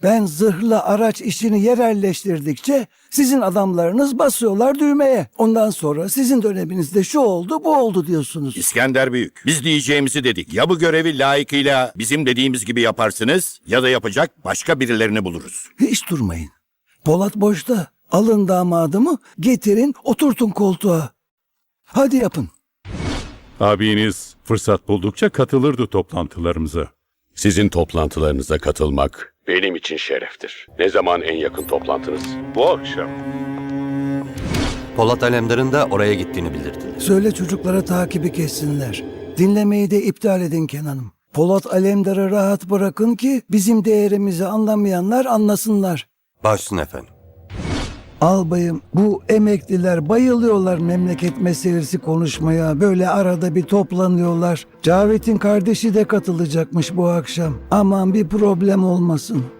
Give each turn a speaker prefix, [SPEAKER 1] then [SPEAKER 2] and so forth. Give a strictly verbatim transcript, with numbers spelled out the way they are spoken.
[SPEAKER 1] Ben zırhlı araç işini yerelleştirdikçe sizin adamlarınız basıyorlar düğmeye. Ondan sonra sizin döneminizde şu oldu bu oldu diyorsunuz.
[SPEAKER 2] İskender Büyük, biz diyeceğimizi dedik. Ya bu görevi layıkıyla bizim dediğimiz gibi yaparsınız ya da yapacak başka birilerini buluruz.
[SPEAKER 1] Hiç durmayın. Polat boşta. Alın damadımı, getirin, oturtun koltuğa. Hadi yapın.
[SPEAKER 3] Abiniz fırsat buldukça katılırdı toplantılarımıza.
[SPEAKER 4] Sizin toplantılarınıza katılmak benim için şereftir. Ne zaman en yakın toplantınız?
[SPEAKER 3] Bu akşam.
[SPEAKER 5] Polat Alemdar'ın da oraya gittiğini bildirdiler.
[SPEAKER 1] Söyle çocuklara takibi kessinler. Dinlemeyi de iptal edin Kenan'ım. Polat Alemdar'ı rahat bırakın ki bizim değerimizi anlamayanlar anlasınlar.
[SPEAKER 5] Başsın efendim.
[SPEAKER 1] Albayım, bu emekliler bayılıyorlar memleket meselesi konuşmaya. Böyle arada bir toplanıyorlar. Cavit'in kardeşi de katılacakmış bu akşam. Aman bir problem olmasın.